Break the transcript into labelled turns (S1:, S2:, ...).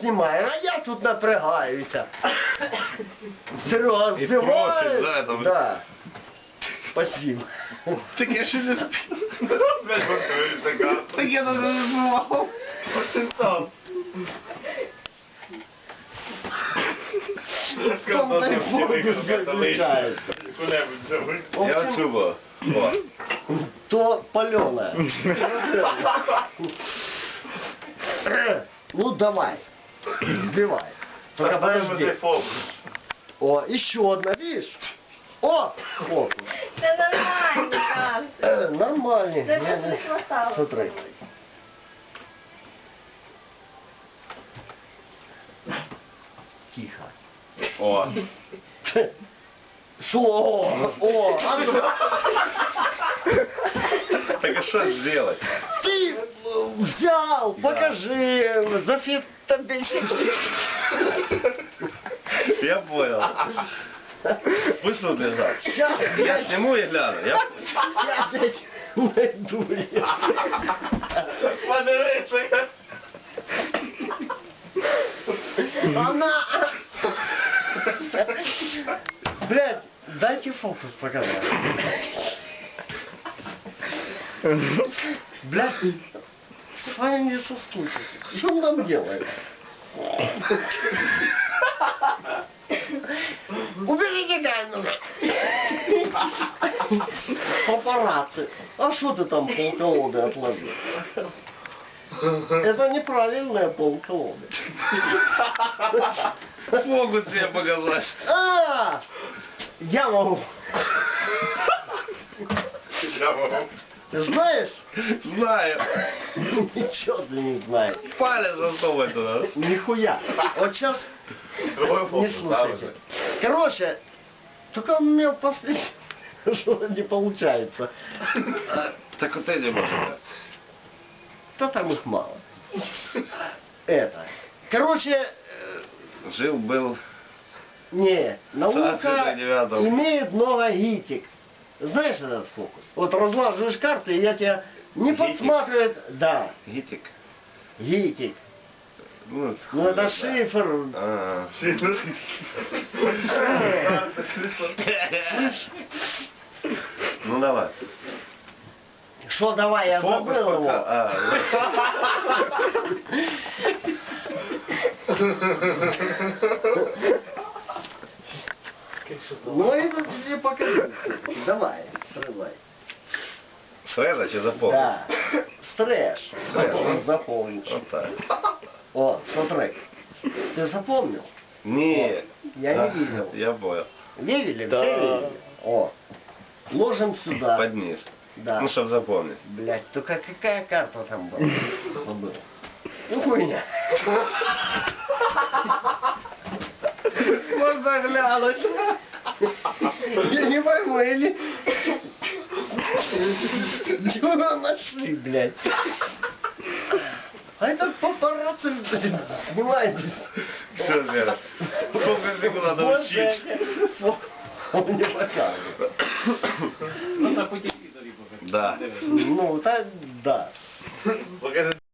S1: знімаєш, а я тут напрягаюся. Серега
S2: І
S1: збиває.
S2: просить, да, там.
S1: Да. Спасибо.
S2: Так я ще не спів. Так я навіть не знімав.
S1: Там дай Бог заключається.
S2: Я оцю.
S1: То паленое. Ну давай, сбивай. Только подожди. О, еще одна, видишь? О, фокус.
S3: Це нормально, кажется.
S1: Нормальный.
S3: Це просто не хватало.
S1: Смотри. Тихо.
S2: О.
S1: Шо? О, а ну,
S2: Так а что сделать?
S1: ты взял, покажи, зафитабельный.
S2: Я понял. Пусть тут лежат.
S1: Сейчас,
S2: Я сниму и гляну. Я...
S1: сейчас найду я.
S2: Подивися.
S1: Она... Блядь, дайте фокус показать. Блядь, с вами не соскучишься. Что он там делает? Уберите камеру. Папарацци. А что ты там полколоды отложил? Это неправильная полколоды.
S2: Могу тебе показать.
S1: А, я могу.
S2: Я могу.
S1: Ты знаешь?
S2: Знаю.
S1: Ничего ты не знаешь.
S2: Палец засовывай туда.
S1: Нихуя. Вот сейчас
S2: Другой
S1: не
S2: фокус,
S1: слушайте. Короче, только у меня последний что-то не получается.
S2: Так вот эти можешь.
S1: Да там их мало. Это. Короче,
S2: Жил-был.
S1: не, наука
S2: Царь девятого.
S1: имеет много гитик. Знаешь этот фокус? Вот разлаживаешь карты, и я тебя не
S2: Гитик?
S1: подсматривает. Да,
S2: Гитик.
S1: гитик.
S2: Ну,
S1: Ну это
S2: да.
S1: шифр.
S2: А, Ну давай.
S1: Что давай, я
S2: Фокус
S1: забыл его.
S2: пока. А,
S1: Ну это тебе покажу. Давай, срывай.
S2: Срезать и запомнить.
S1: Да. Стрэш.
S2: Стрэш.
S1: Запомнил.
S2: Вот так.
S1: О, смотри. Ты запомнил?
S2: Не.
S1: Я не видел.
S2: Я понял.
S1: Видели?
S2: Да.
S1: Все видели? О. Ложим сюда.
S2: Под низ.
S1: Да.
S2: Ну, чтобы запомнить.
S1: Блять, только какая карта там была? Забыл. Ну хуйня.
S2: Можно глянуть.
S1: Я не пойму, или... Чего нашли, блядь? А этот папарацци, блин, снимайте.
S2: Все, Зера. Фокуснику надо учить.
S1: Он не показывает.
S4: Ну, на пути покажи.
S2: Да.
S1: Ну, так, да.
S2: Покажи.